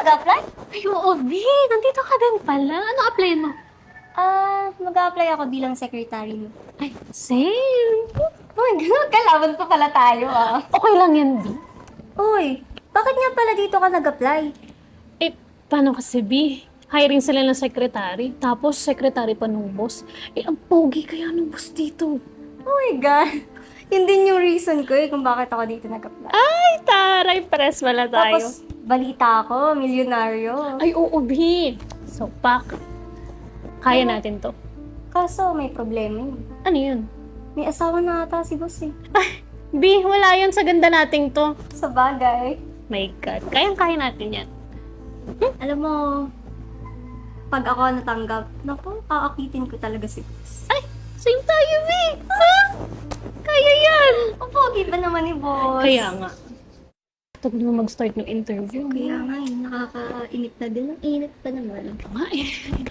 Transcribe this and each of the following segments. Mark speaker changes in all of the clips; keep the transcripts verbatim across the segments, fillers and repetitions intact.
Speaker 1: nag-apply?
Speaker 2: Ay, oo, B. Nandito ka din pala. Ano applyan mo?
Speaker 1: Ah, mag-apply ako bilang secretary mo.
Speaker 2: Ay, same.
Speaker 1: Uy, kalaban pa pala tayo ah.
Speaker 2: Okay lang yan, B.
Speaker 1: Uy, bakit nga pala dito ka nag-apply?
Speaker 2: Eh, paano kasi, B? Hiring sila ng secretary, tapos secretary pa nung boss. Eh, ang pogi kaya nung boss dito.
Speaker 1: Oh my God. Yun din yung reason ko eh kung bakit ako dito nag-apply.
Speaker 2: Ay, taray, press wala tayo.
Speaker 1: Tapos, balita ako, milyonaryo.
Speaker 2: Ay, oo, B. So, pak. Kaya natin to.
Speaker 1: Kaso, may problema yun.
Speaker 2: Ano yun?
Speaker 1: May asawa na ata si boss eh.
Speaker 2: B, wala yun sa ganda nating to.
Speaker 1: Sa bagay.
Speaker 2: My God, kayang-kaya natin yan.
Speaker 1: Alam mo, pag ako natanggap, naku, aakitin ko talaga si boss.
Speaker 2: Ay, same tayo, B. Ha? Kaya yan.
Speaker 1: Ang pogi ba naman ni boss?
Speaker 2: Kaya nga. Tag naman mag-start ng interview.
Speaker 1: Kaya nga eh, nakakainip na din. Ang init pa naman.
Speaker 2: Nga eh.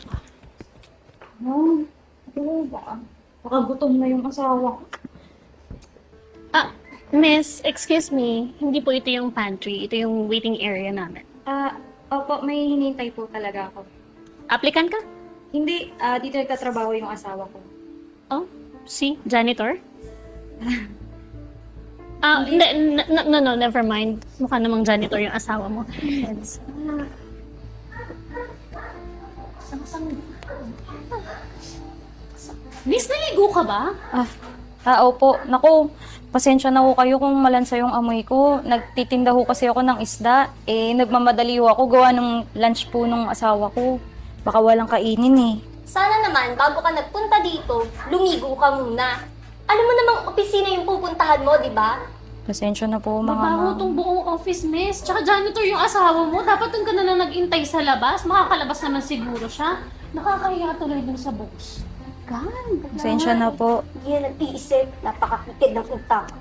Speaker 3: No, ano ba? Baka gutom na yung asawa ko.
Speaker 2: Ah, miss, excuse me. Hindi po ito yung pantry. Ito yung waiting area namin.
Speaker 3: Ah, opo, may hinihintay po talaga ako.
Speaker 2: Applicant ka?
Speaker 3: Hindi, ah, dito nagtatrabaho yung asawa ko.
Speaker 2: Oh, si janitor? Ah, hindi, n- n- no, no, never mind. Mukha namang janitor yung asawa mo. Yes. Miss, naligo ka ba?
Speaker 3: Ah, ah, opo. Naku, pasensya na ho kayo kung malansa yung amoy ko. Nagtitinda ho kasi ako ng isda. Eh, nagmamadali ho ako gawa ng lunch po nung asawa ko. Baka walang kainin eh.
Speaker 1: Sana naman, bago ka nagpunta dito, lumigo ka muna. Alam mo namang opisina yung pupuntahan mo, di ba?
Speaker 3: Pasensya na po, mga
Speaker 2: Mabaho
Speaker 3: ma'am.
Speaker 2: tong buong office, miss. Tsaka janitor yung asawa mo. Dapat doon ka na lang nag-intay sa labas. Makakalabas naman siguro siya. Nakakahiya tuloy dun sa box. God,
Speaker 3: Pasensya na po.
Speaker 1: Hindi na nag-iisip, napakakitid ng utak.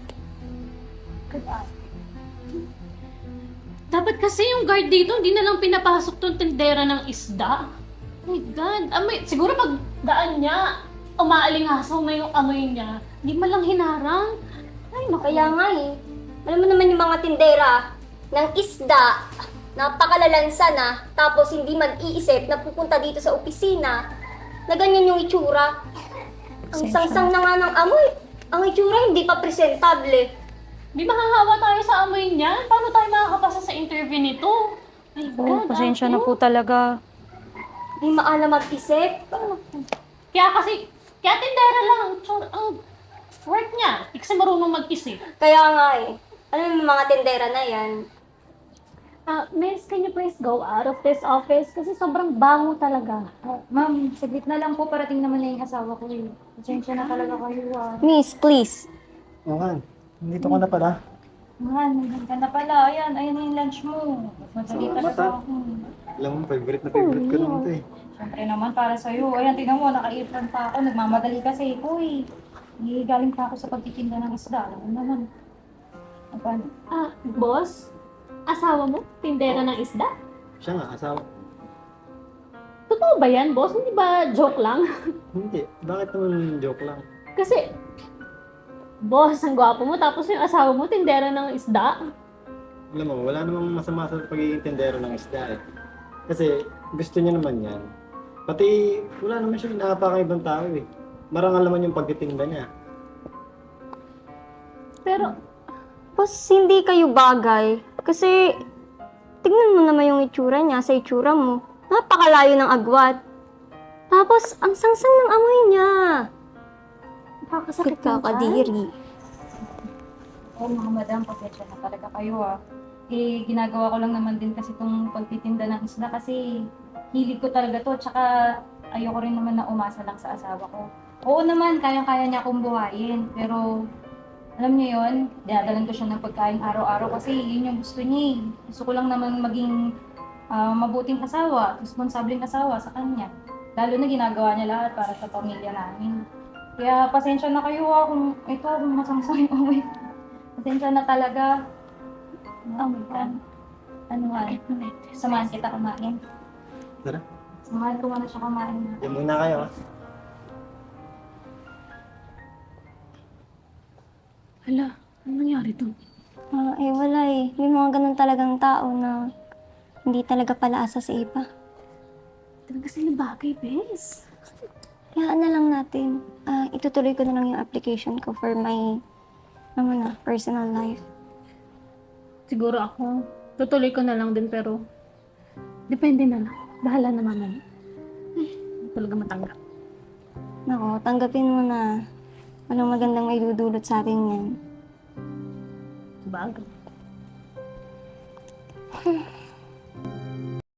Speaker 2: Dapat kasi yung guard dito, hindi na lang pinapasok tong tindera ng isda. Oh my God. Amoy, siguro pag daan niya, umaalingasaw na yung amoy niya. Hindi man lang hinarang. Ay, naku.
Speaker 1: Kaya nga eh, alam mo naman yung mga tindera ng isda, napakalalansa na, tapos hindi man iisip na pupunta dito sa opisina, na ganyan yung itsura. Ang
Speaker 3: Pasensya
Speaker 1: sangsang na nga ng amoy. Ang itsura hindi pa presentable.
Speaker 2: Di mahahawa tayo sa amoy niya? Paano tayo makakapasa sa interview nito? My
Speaker 3: Oh,
Speaker 2: God,
Speaker 3: pasensya na
Speaker 2: ako.
Speaker 3: po talaga.
Speaker 1: Hindi maalam mag-isip.
Speaker 2: Kaya kasi, kaya tindera lang. Tsura, ang work niya. Hindi kasi marunong mag-isip.
Speaker 1: Kaya nga eh, alam mo yung mga tindera na yan,
Speaker 2: Ah, miss, can you please go out of this office? Kasi sobrang bango talaga.
Speaker 3: Ah, ma'am, saglit na lang po. Parating naman na yung asawa ko eh. Pasensya na talaga kayo ah.
Speaker 1: Miss, please.
Speaker 4: Oo nga, nandito ka na pala.
Speaker 3: Man, nandiyan ka na pala. Ayan, ayan na yung lunch mo. Mas madali
Speaker 4: Salamat,
Speaker 3: talaga
Speaker 4: ah.
Speaker 3: ako.
Speaker 4: Alam mo, favorite na favorite ko naman ito eh.
Speaker 3: Siyempre naman para sa'yo. Ayan, tingnan mo, naka-apron pa ako. Nagmamadali kasi ako eh. Eh, galing pa ako sa pagtitinda ng isda. Alam mo naman. Ano?
Speaker 2: Ah, boss? Asawa mo? Tindera ng isda?
Speaker 4: Siya nga, asawa.
Speaker 2: Totoo ba yan, boss? Hindi ba joke lang?
Speaker 4: Hindi, bakit naman joke lang?
Speaker 2: Kasi, boss, ang gwapo mo, tapos yung asawa mo, tindera ng isda.
Speaker 4: Alam mo, wala namang masama sa pagiging tendero ng isda eh. Kasi gusto niya naman yan. Pati wala naman siya inaapakang ibang tao eh. Marangal naman yung pagtitinda niya.
Speaker 2: Pero,
Speaker 1: Boss, hindi kayo bagay. Kasi, tignan mo naman yung itsura niya sa itsura mo. Napakalayo ng agwat. Tapos, ang sangsang ng amoy niya.
Speaker 2: nakakasakit
Speaker 1: Sakit kakadiri.
Speaker 3: Oo, mga madam, pasensya na talaga kayo ah. Eh, ginagawa ko lang naman din kasi itong pagtitinda ng isda kasi hilig ko talaga to. Tsaka ayoko rin naman na umasa lang sa asawa ko. Oo naman, kayang-kaya niya akong buhayin. Pero alam niyo yun, dinadalan ko siya ng pagkain araw-araw kasi yun yung gusto niya eh. Gusto ko lang naman maging ah, mabuting asawa, responsableng asawa sa kanya. Lalo na ginagawa niya lahat para sa pamilya namin. Kaya pasensya na kayo ah kung ito, kung masangsang yung amoy. Pasensya na talaga. Oh my God. Ano nga, samahan kita kumain.
Speaker 4: Tara,
Speaker 3: Samahan ko muna siya kumain.
Speaker 4: yan muna kayo ah.
Speaker 2: hala, ano nangyari to?
Speaker 1: Ah, eh, wala eh. May mga ganun talagang tao na hindi talaga pala asa sa iba.
Speaker 2: Talaga sila bagay, bes.
Speaker 1: Hayaan na lang natin. Ah, itutuloy ko na lang yung application ko for my, ano na, personal life.
Speaker 2: Siguro ako, tutuloy ko na lang din pero depende na lang. Bahala na mamaya. Ay, hindi talaga matanggap.
Speaker 1: Nako, tanggapin mo na. Walang magandang may dudulot sa atin yan.
Speaker 2: Bagay.